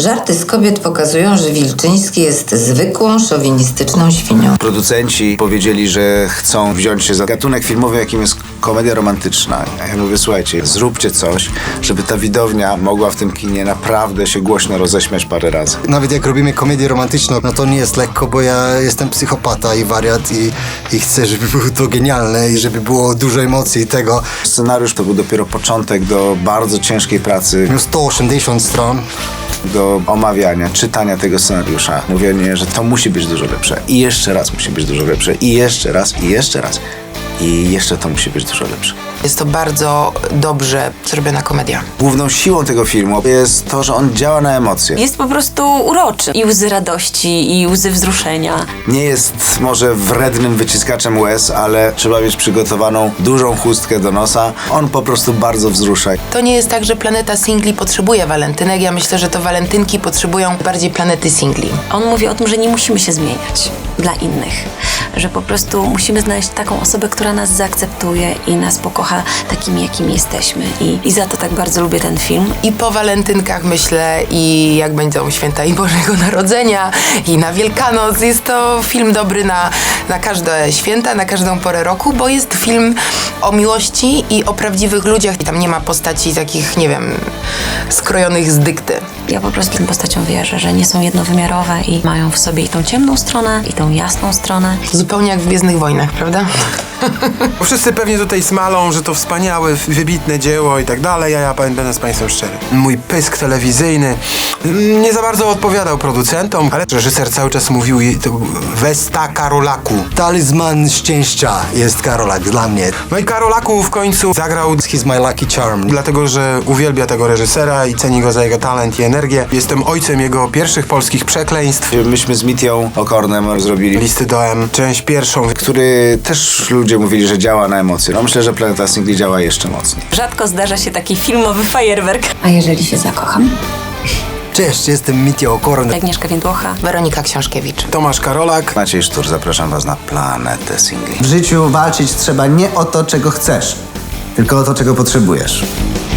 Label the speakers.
Speaker 1: Żarty z kobiet pokazują, że Wilczyński jest zwykłą, szowinistyczną świnią.
Speaker 2: Producenci powiedzieli, że chcą wziąć się za gatunek filmowy, jakim jest komedia romantyczna. A ja mówię, słuchajcie, zróbcie coś, żeby ta widownia mogła w tym kinie naprawdę się głośno roześmiać parę razy.
Speaker 3: Nawet jak robimy komedię romantyczną, no to nie jest lekko, bo ja jestem psychopata i wariat i chcę, żeby było to genialne i żeby było dużo emocji i tego.
Speaker 2: Scenariusz to był dopiero początek do bardzo ciężkiej pracy,
Speaker 3: Miał 180 stron.
Speaker 2: do omawiania, czytania tego scenariusza. Mówienie, że to musi być dużo lepsze. I jeszcze raz musi być dużo lepsze. I jeszcze raz, i jeszcze raz. I jeszcze to musi być dużo lepsze.
Speaker 4: Jest to bardzo dobrze zrobiona komedia.
Speaker 2: Główną siłą tego filmu jest to, że on działa na emocje.
Speaker 5: Jest po prostu uroczy. I łzy radości, i łzy wzruszenia.
Speaker 2: Nie jest może wrednym wyciskaczem łez, ale trzeba mieć przygotowaną dużą chustkę do nosa. On po prostu bardzo wzrusza.
Speaker 4: To nie jest tak, że planeta singli potrzebuje walentynek. Ja myślę, że to walentynki potrzebują bardziej planety singli.
Speaker 5: On mówi o tym, że nie musimy się zmieniać dla innych. Że po prostu musimy znaleźć taką osobę, która nas zaakceptuje i nas pokocha takimi, jakimi jesteśmy. I za to tak bardzo lubię ten film.
Speaker 4: I po walentynkach myślę, i jak będą święta i Bożego Narodzenia, i na Wielkanoc. Jest to film dobry na każde święta, na każdą porę roku, bo jest film o miłości i o prawdziwych ludziach. I tam nie ma postaci takich, nie wiem, skrojonych z dykty.
Speaker 5: Ja po prostu tym postaciom wierzę, że nie są jednowymiarowe i mają w sobie i tą ciemną stronę, i tą jasną stronę.
Speaker 4: Zupełnie jak w Gwiezdnych Wojnach, prawda?
Speaker 6: Wszyscy pewnie tutaj smalą, że to wspaniałe, wybitne dzieło i tak dalej, a ja będę z Państwem szczery. Mój pysk telewizyjny nie za bardzo odpowiadał producentom, ale reżyser cały czas mówił to Westa Karolaku.
Speaker 3: Talizman szczęścia jest Karolak dla mnie.
Speaker 6: No i Karolaku w końcu zagrał,
Speaker 3: He's my lucky charm.
Speaker 6: dlatego że uwielbia tego reżysera i ceni go za jego talent i energię. Jestem ojcem jego pierwszych polskich przekleństw.
Speaker 2: Myśmy z Mitią Okornem zrobili
Speaker 6: Listy do M, część pierwszą.
Speaker 2: który też ludzie mówili, że działa na emocje. No myślę, że Planeta Singli działa jeszcze mocniej.
Speaker 5: Rzadko zdarza się taki filmowy fajerwerk.
Speaker 1: A jeżeli się zakocham?
Speaker 3: Cześć, jestem Mitya Okorn.
Speaker 5: Agnieszka Więdłocha.
Speaker 4: Weronika Książkiewicz.
Speaker 6: Tomasz Karolak.
Speaker 2: Maciej Sztur, zapraszam was na Planetę Singli.
Speaker 7: W życiu walczyć trzeba nie o to, czego chcesz, tylko o to, czego potrzebujesz.